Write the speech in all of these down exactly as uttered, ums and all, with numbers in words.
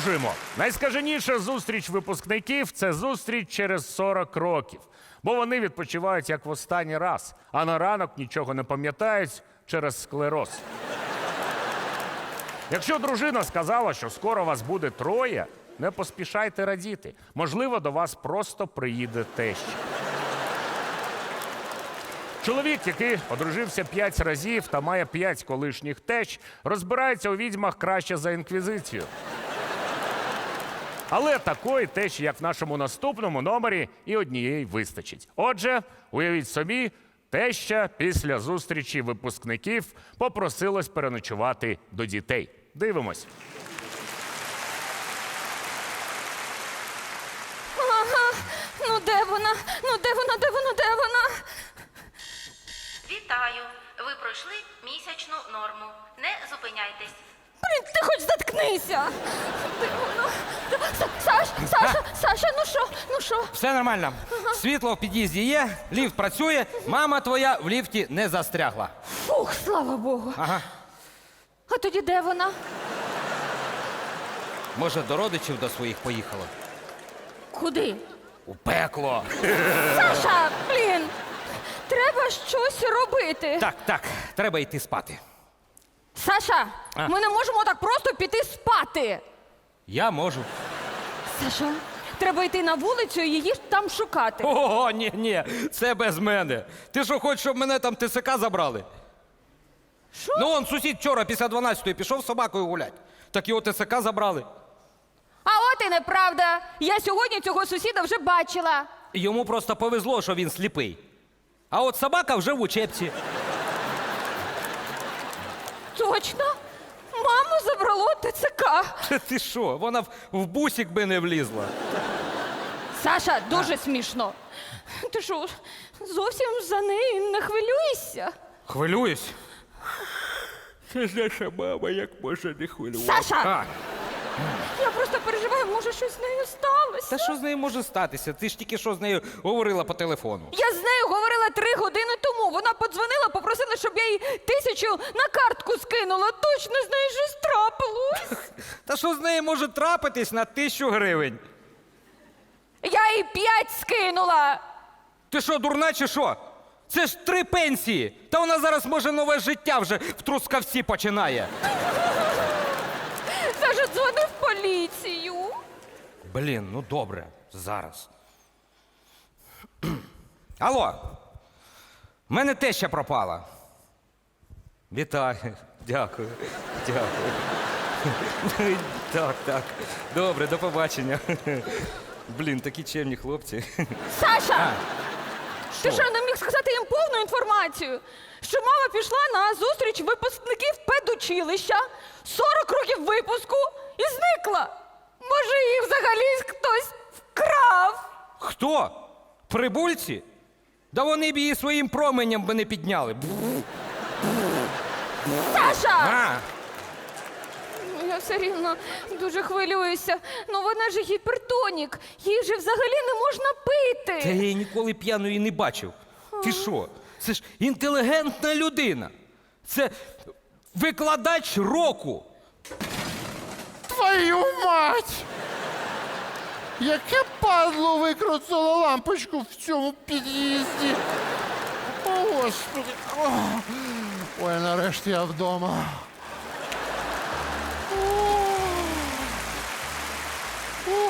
Продовжуємо. Найскаженіша зустріч випускників – це зустріч через сорок років. Бо вони відпочивають як в останній раз, а на ранок нічого не пам'ятають через склероз. Якщо дружина сказала, що скоро вас буде троє, не поспішайте радіти. Можливо, до вас просто приїде теща. Чоловік, який одружився п'ять разів та має п'ять колишніх тещ, розбирається у відьмах краще за інквізицію. Але такої тещі, як в нашому наступному номері, і однієї вистачить. Отже, уявіть собі, теща після зустрічі випускників попросилась переночувати до дітей. Дивимось. Ага, ну де вона? Ну де вона, де вона, де вона? Вітаю! Ви пройшли місячну норму. Не зупиняйтесь. Блін, ти хоч заткнися! Де вона? Са- Саш, Саша, Саша, ну що, ну що? Все нормально. Світло в під'їзді є, ліфт працює, мама твоя в ліфті не застрягла. Фух, слава Богу. Ага. А тоді де вона? Може, до родичів до своїх поїхала? Куди? У пекло. Саша, блін! Треба щось робити. Так, так, треба йти спати. Саша, А. ми не можемо так просто піти спати. Я можу. Саша, треба йти на вулицю і її там шукати. Ого, ні, ні, це без мене. Ти що, хочеш, щоб мене там ТСК забрали? Що? Ну, он сусід вчора після дванадцятої пішов з собакою гулять. Так його ТСК забрали. А от і неправда. Я сьогодні цього сусіда вже бачила. Йому просто повезло, що він сліпий. А от собака вже в учебці. Точно? Маму забрало ТЦК. Ти що, вона в, в бусик би не влізла. Саша, дуже смішно. Ти що, зовсім за неї не хвилюєшся? Хвилююсь. Це ж наша мама, як може не хвилюватися. Саша! А, Я просто переживаю, може щось з нею сталося. та що з нею може статися? Ти ж тільки що з нею говорила по телефону. Я з нею говорила три години тому. Вона подзвонила, попросила, щоб я їй тисячу на картку скинула. Точно з нею щось трапилось. Та що з нею може трапитись на тисячу гривень? Я їй п'ять скинула. Ти що, дурна чи що? Це ж три пенсії. Та вона зараз, може, нове життя вже в Трускавці починає. Саша дзвонив в поліцію. Блін, ну добре, зараз. Алло, в мене теща пропала. Вітаю, дякую, дякую. Так, так, добре, до побачення. Блін, такі чемні хлопці. Саша! Ти Що? що, не міг сказати їм повну інформацію? Що мама пішла на зустріч випускників педучилища, сорок років випуску і зникла. Може, їх взагалі хтось вкрав? Хто? Прибульці? Да вони б її своїм променем би не підняли. Саша! А, Ну, я все рівно дуже хвилююся. Ну вона ж гіпертонік. Їй же взагалі не можна та я пити. її ніколи п'яною не бачив. Ти що? Це ж інтелігентна людина. Це викладач року. Твою мать! Яке падло викрутило лампочку в цьому під'їзді. О, Господи. О, ой, нарешті я вдома. О. О.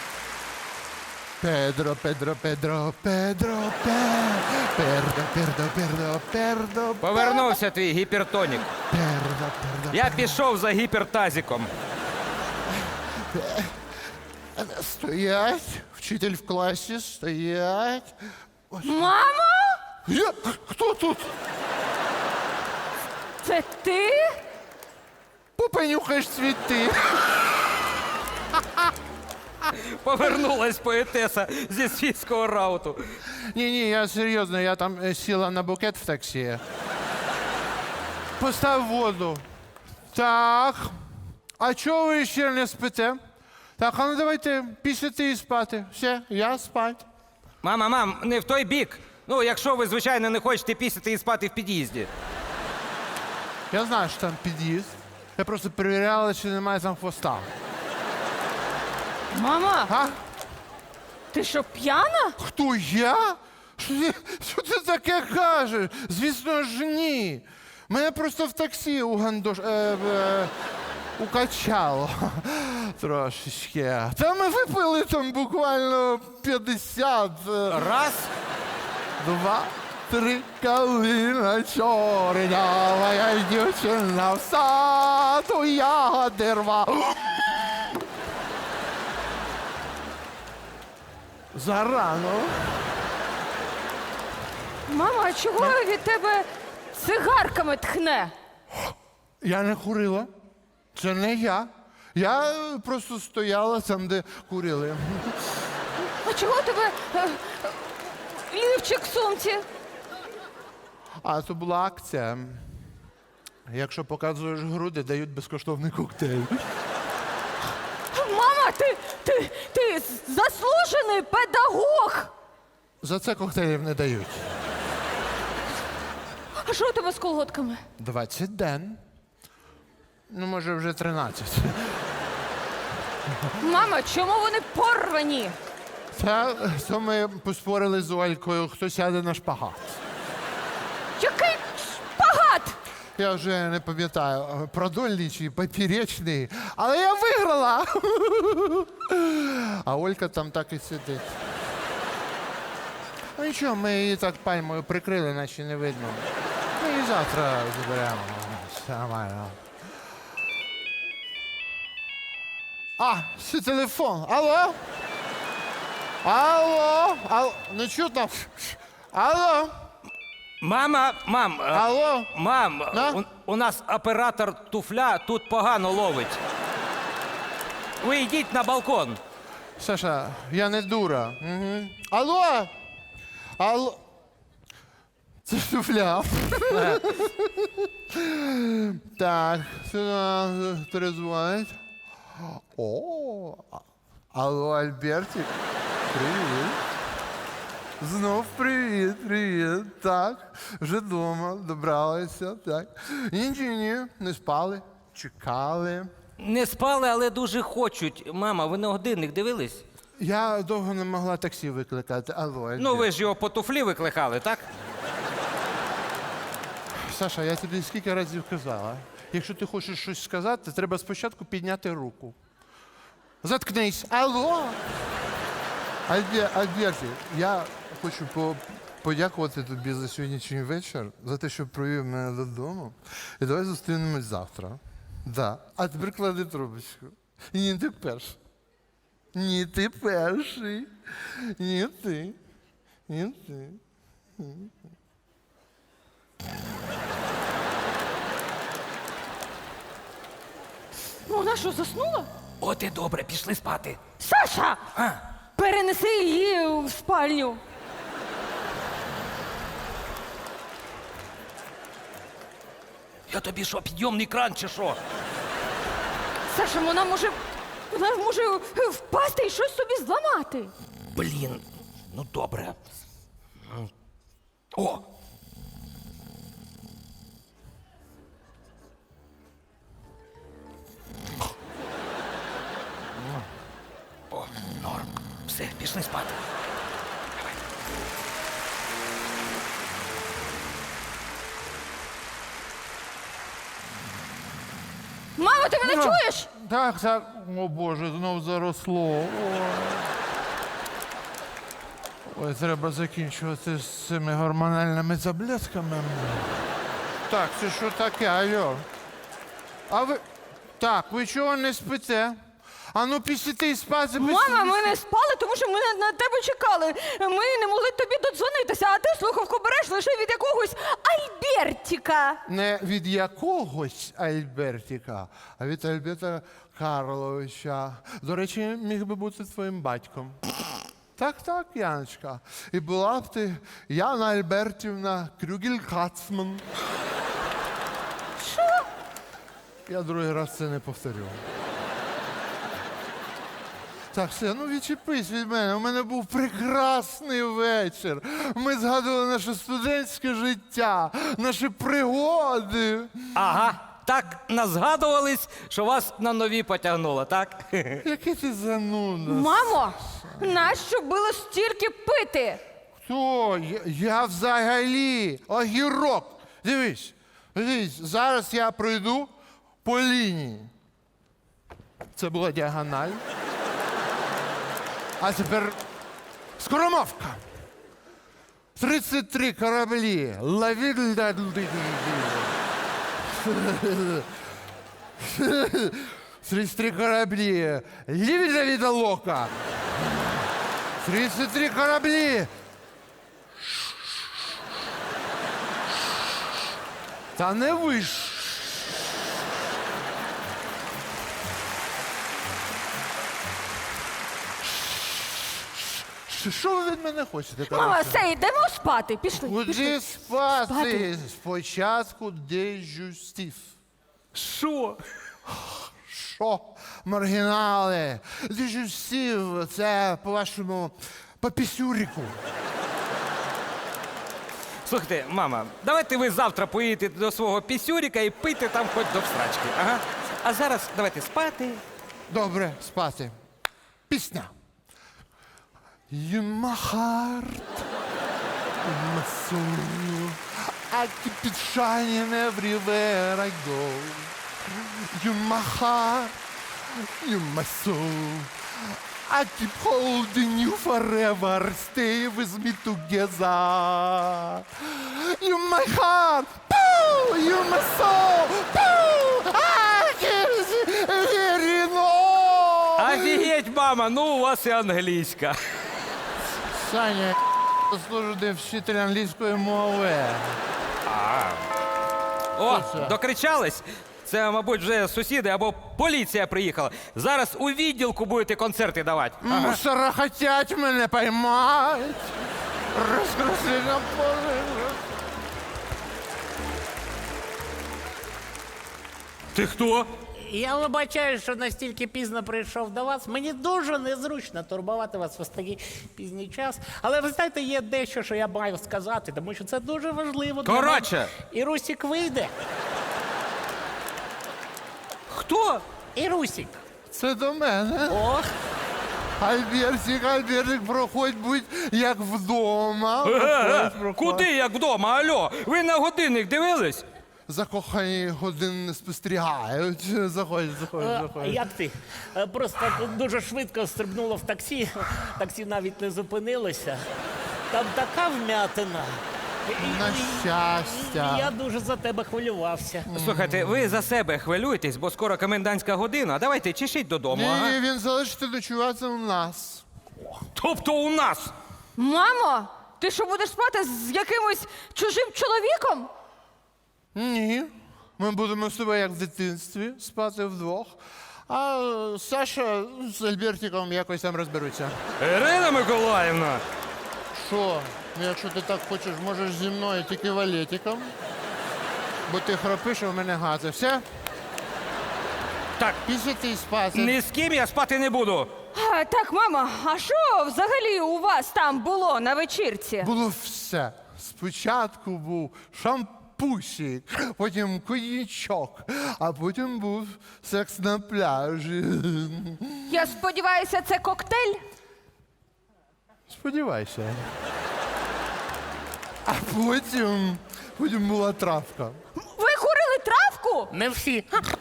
Педро, Педро, Педро, Педро, Пе- Пердо, Пердо, Пердо, Пердо, Повернувся твій гіпертонік. Пердо, Пердо. Я пішов за гіпертазиком. Стоять, вчитель в класі, стоять. Мамо? Я? Хто тут? Це ти? Попенюхаєш цвіти. Повернулась поетеса зі світського рауту. Ні-ні, я серйозно, я там е, сіла на букет в таксі. Постав воду. Так. А чого ви ще не спите? Так, а ну давайте після і спати. Все, я спать. Мама, мам, не в той бік. Ну, якщо ви, звичайно, не хочете пісяти і спати в під'їзді. Я знаю, що там під'їзд. Я просто перевіряла, чи немає там хвоста. Мама, А? ти що, п'яна? Хто я? Що ти, що ти таке кажеш? Звісно ж, ні. Мене просто в таксі у гандош... Е, е, укачало трошечки. Та ми випили там буквально п'ятдесят. е, Раз. Два, три, калина чорнява, я дівчина в саду, ягоди рва. Зарано. Мама, а чого від тебе цигарками тхне? Я не курила. Це не я. Я е, просто стояла там, де курили. А чого у тебе е, лівчик в сумці? А це була акція. Якщо показуєш груди, дають безкоштовний коктейль. Мама, ти, ти, ти заслужений педагог! За це коктейлів не дають. А що у тебе з колготками? двадцять ден. Ну, може, вже тринадцять. Мама, чому вони порвані? Та то ми поспорили з Олькою, хто сяде на шпагат. Який шпагат! Я вже не пам'ятаю, продольний чи поперечний, але я виграла. А Олька там так і сидить. Ну нічого, ми її так пальмою прикрили, наче не видно. Ми її завтра заберемо. Все нормально. А, це телефон. Алло? Алло? Алло? Не чутно? Алло? Мама, мам, е, Алло? мам, Да? у, у нас оператор туфля тут погано ловить. Ви йдіть на балкон. Саша, я не дура. Угу. Алло? Алло? Це туфля. Так, сюди перезвонить. О, а- алло, Альбертик. Привіт. Знов привіт, привіт. Так, вже вдома, добралися, так. Ні, ні, ні, не спали, чекали. Не спали, але дуже хочуть. Мама, ви на годинник дивились? Я довго не могла таксі викликати. Алло, Альберт. Ну, ви ж його по туфлі викликали, так? Саша, я тобі скільки разів казала. Якщо ти хочеш щось сказати, треба спочатку підняти руку. Заткнись. Алло. Альбе- Альберті, я хочу по- подякувати тобі за сьогоднішній вечір, за те, що провів мене додому. І давай зустрінемось завтра. Да. А тепер клади трубочку. Ні, ти перший. Ні, ти перший. Ні, ти. Ні, ти. Ну, вона що, заснула? От і добре, пішли спати. Саша! А, Перенеси її в спальню. я тобі що, підйомний кран чи що? Саша, вона може. Вона може впасти і щось собі зламати. Блін, ну добре. О! О, норм. Все, пішли спати. Мама, ти мене чуєш? Так, так. О Боже, знов заросло. Ой. Ой, треба закінчувати з цими гормональними таблетками. Так, це що таке, алло? А ви. Так, ви чого не спите? А ну після спати. Мама, ми не спали, тому що ми на, на тебе чекали. Ми не могли тобі додзвонитися, а ти слухавку береш лише від якогось Альбертіка. Не від якогось Альбертіка, а від Альберта Карловича. До речі, міг би бути твоїм батьком. Так, так, Яночка. І була б ти Яна Альбертівна Крюгель-Кацман. Що? Я другий раз це не повторю. Так, все, ну відчепись від мене. У мене був прекрасний вечір. Ми згадували наше студентське життя, наші пригоди. Ага, так назгадувались, що вас на нові потягнуло, так? Який ти зануда. Мамо, нащо було стільки пити? Хто? Я, я взагалі огірок. Дивись, дивись, зараз я пройду по лінії. Це була діагональ. А тепер скоромовка. тридцять три кораблі. Лавіль. тридцять три кораблі. Лівіля від лока. тридцять три кораблі. Та не виш. Що ви від мене хочете? Мама, коротше? все, йдемо спати. Пішли. Куди пішли. спати? Спати. Спочатку дежустів. Що? Що? Маргінали. Дежустів, це по-вашому по пісюріку. Слухайте, мама, давайте ви завтра поїдете до свого пісюріка і пийте там хоч до всрачки. Ага. А зараз давайте спати. Добре, спати. Пісня. You my heart, my soul, I keep it shining everywhere I go. You my heart, you my soul, I keep holding you forever, stay with me together. You my heart, poo, you my soul, poo, I can't hear no. Офігеть, мама, ну у вас і англійська. Саня, служити вчитель англійської мови. О, Що це? докричались? Це, мабуть, вже сусіди або поліція приїхала. Зараз у відділку будете концерти давати. Мусора хотять мене поймать. Розкрасли на поле. Ти хто? Я вибачаю, що настільки пізно прийшов до вас. Мені дуже незручно турбувати вас в ось такий пізній час. Але ви знаєте, є дещо, що я маю сказати, тому що це дуже важливо. для Коротше. мене. І Русік вийде. Хто? І Русік. Це до мене. Ох, Альбертик, Альбертик, проходь, будь як вдома. Е, Проходь, проходь. Куди як вдома? Алло, ви на годинник дивились? Закохані години спостерігають. Заходь, заходь, а заходь. як ти? Е, Просто дуже швидко стрибнула в таксі. Таксі навіть не зупинилося. Там така вмятина. І- і- На і- щастя. і Я дуже за тебе хвилювався. Слухайте, ви за себе хвилюєтесь, бо скоро комендантська година. Давайте чешіть додому. Ні, Ага. ні, він залишиться ночувати у нас. Тобто у нас. Мамо, ти що будеш спати з якимось чужим чоловіком? Ні. Ми будемо з тобою як в дитинстві спати вдвох. А е, Саша з Альбертиком якось там розберуться. Ірина Миколаївна. Що? Ну, якщо ти так хочеш, можеш зі мною тільки валетиком. Бо ти храпиш, а в мене гази. Все? Так, Після ти спати. ні з ким я спати не буду. А, так, мама, а що взагалі у вас там було на вечірці? Було все. Спочатку був шампусик, потім коньячок, а потім був секс на пляжі. Я сподіваюся, це коктейль? Сподівайся. А потім, потім була травка. Ви курили травку? Не всі.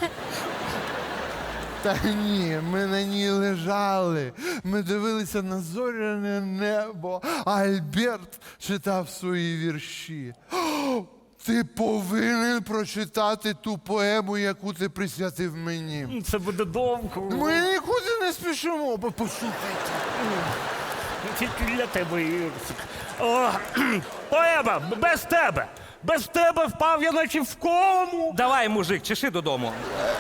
Та ні, ми на ній лежали. Ми дивилися на зоряне небо. А Альберт читав свої вірші. О, ти повинен прочитати ту поему, яку ти присвятив мені. Це буде довго. Ми нікуди не спішимо, бо послухайте. Тільки для тебе, Ірсик. О, поеба, без тебе! Без тебе впав я наче в кому. Давай, мужик, чеши додому.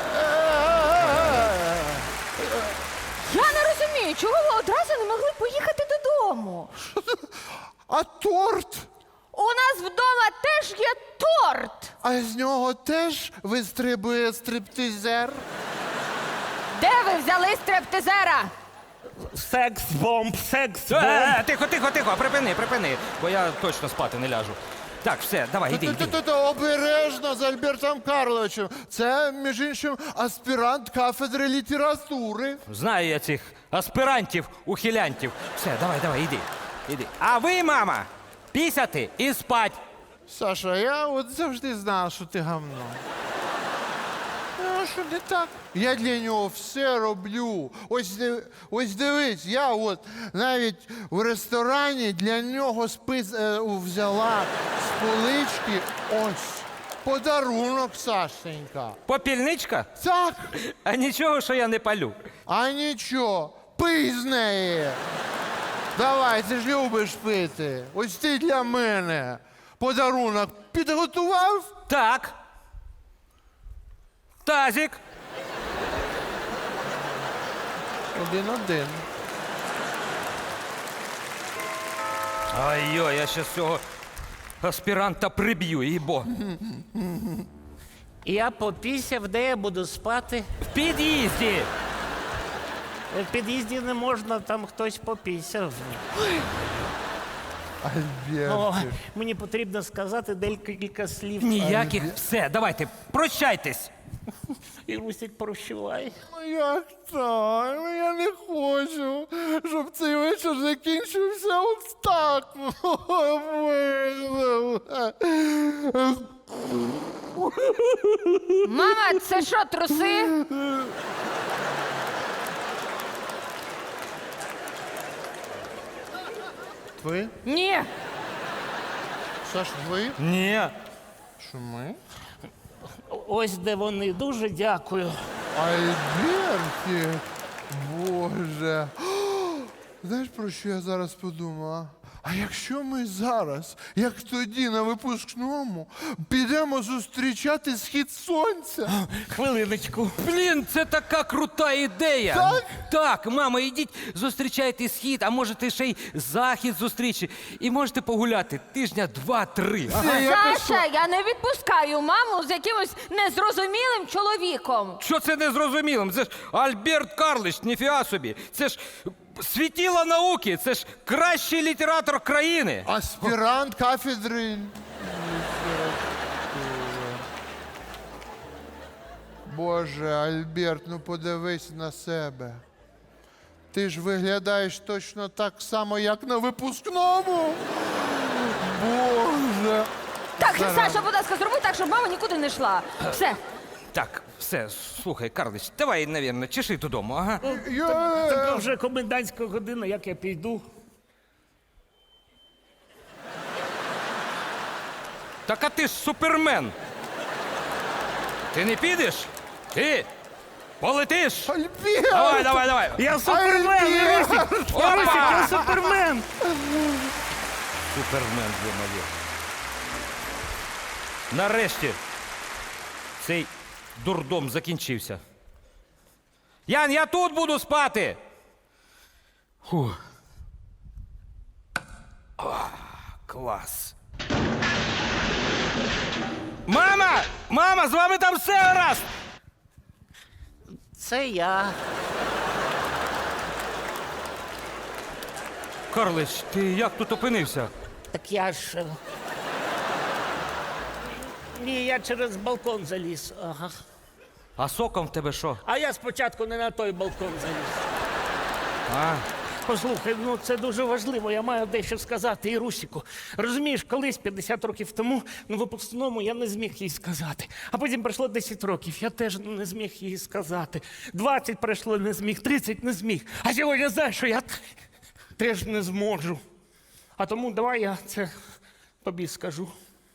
Я не розумію, чого ви одразу не могли поїхати додому? А торт? У нас вдома теж є торт. А з нього теж вистрибує стриптизер? Де ви взяли стриптизера? Секс-бомб, секс-бомб. Е, е, тихо, тихо, тихо, припини, припини, бо я точно спати не ляжу. Так, все, давай, іди, іди. Та-та-та, обережно з Альбертом Карловичем. Це, між іншим, аспірант кафедри літератури. Знаю я цих аспірантів, ухилянтів. Все, давай, давай, іди. Іди. А ви, мама, пісяти і спать. Саша, я от завжди знав, що ти гавно. Ну, що не так? Я для нього все роблю. Ось, див- ось дивись, я от навіть в ресторані для нього спис е, взяла з полички ось подарунок, Сашенька. Попільничка? Так, А нічого, що я не палю. а нічого, пий з неї. Давай, ти ж любиш пити. Ось ти для мене подарунок підготував? Так. Тазик. Один-один. Ай-йо, я ще цього аспіранта приб'ю, їбо. Я попісяв, де я буду спати. В під'їзді. В під'їзді не можна, там хтось попісяв. О, Альбертик. мені потрібно сказати декілька слів. Ніяких. Все, давайте, прощайтесь. І Русик прощавай. Ну як так? Ну я не хочу, щоб цей вечір закінчився от так. Мама, це що, труси? Ви? Ні. Саш, ви? Ні. Що ми? Ось де вони. Дуже дякую. Альбертик, Боже. Знаєш, про що я зараз подумала? А якщо ми зараз, як тоді на випускному, підемо зустрічати схід сонця? Хвилиночку. Блін, це така крута ідея. Так? Так, мама, ідіть, зустрічайте схід, а можете ще й захід зустрічі. І можете погуляти тижня два-три. Це якось- Саша, я не відпускаю маму з якимось незрозумілим чоловіком. Що це незрозумілим? Це ж Альберт Карлович, ніфіга собі. Це ж світіло науки, це ж кращий літератор країни. Аспірант кафедри. Боже, Альберт, ну подивись на себе. Ти ж виглядаєш точно так само, як на випускному. Боже. Так, Саша, будь ласка, зроби так, щоб мама нікуди не йшла. Все. Так, все, слухай, Карлич, давай, навірно, чеши додому, ага. Я... Така вже комендантська година, як я піду. Так а ти ж супермен. Ти не підеш? Ти полетиш? Альберт! Давай, давай, давай. Я супермен, Альберт! Русик! Русик, я супермен! Супермен, ё-моє. Нарешті цей дурдом закінчився. Ян, я тут буду спати. Фу. О, клас. Мама! Мама, з вами там все гаразд! Це я. Карлич, ти як тут опинився? Так я ж. е, Ні, я через балкон заліз. Ага. А соком в тебе що? А я спочатку не на той балкон заліз. А, Послухай, ну це дуже важливо, я маю дещо сказати і Русіку. Розумієш, колись п'ятдесят років тому на випускному я не зміг їй сказати. А потім пройшло десять років, я теж не зміг їй сказати. двадцять пройшло, не зміг, тридцять не зміг. А сьогодні знаєш, що я теж не зможу. А тому давай я це тобі скажу.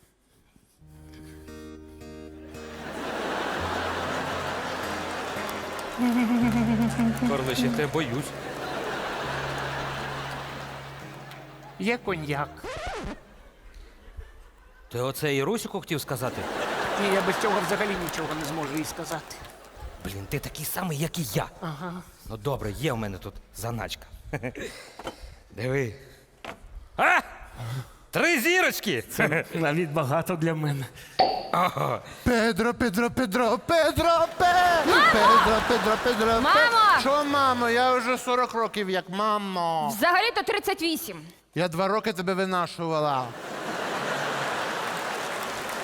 Карлич, я тебе боюсь. Є коньяк. Ти оце і Русіку хотів сказати? Ні, я без цього взагалі нічого не зможу їй сказати. Блін, ти такий самий, як і я. Ага. Ну добре, є в мене тут заначка. Диви. А? Три зірочки! Навіть багато для мене. Педро, Педро, Педро, Педро, Пе! Педро, Педро, Педро, Пе! Мамо! Що, мамо? Я вже сорок років як мамо. Взагалі-то тридцять вісім. Я два роки тебе винашувала.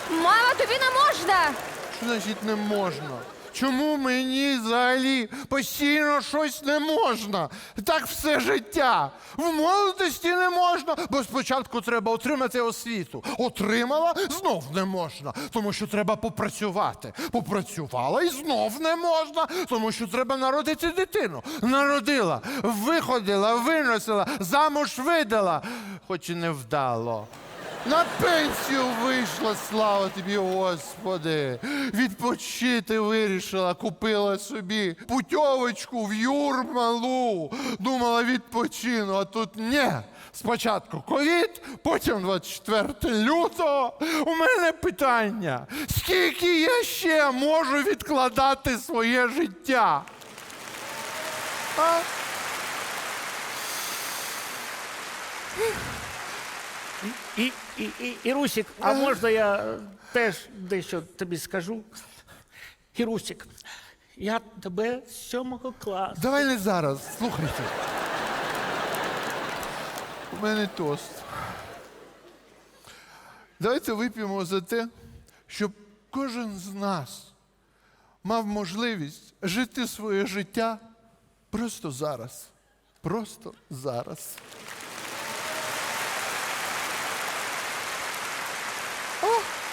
Мама, тобі не можна! Що значить не можна? Чому мені взагалі постійно щось не можна? Так все життя. В молодості не можна, бо спочатку треба отримати освіту. Отримала, знов не можна, тому що треба попрацювати. Попрацювала і знов не можна, тому що треба народити дитину. Народила, виходила, виносила, замуж видала, хоч і не вдало. На пенсію вийшла, слава тобі, Господи. Відпочити вирішила, купила собі путьовочку в Юрмалу. Думала, відпочину, а тут ні. Спочатку ковід, потім двадцять четвертого лютого. У мене питання, скільки я ще можу відкладати своє життя? А? І, і, і, Ірусік, а можна я е, теж дещо тобі скажу? Ірусік, я тебе з сьомого класу. Давай не зараз, слухайте. У мене тост. Давайте вип'ємо за те, щоб кожен з нас мав можливість жити своє життя просто зараз. Просто зараз. О!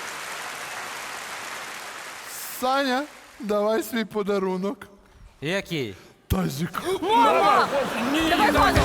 Саня, давай свій подарунок. Який? Тазик. Мама! Давай, Ваня,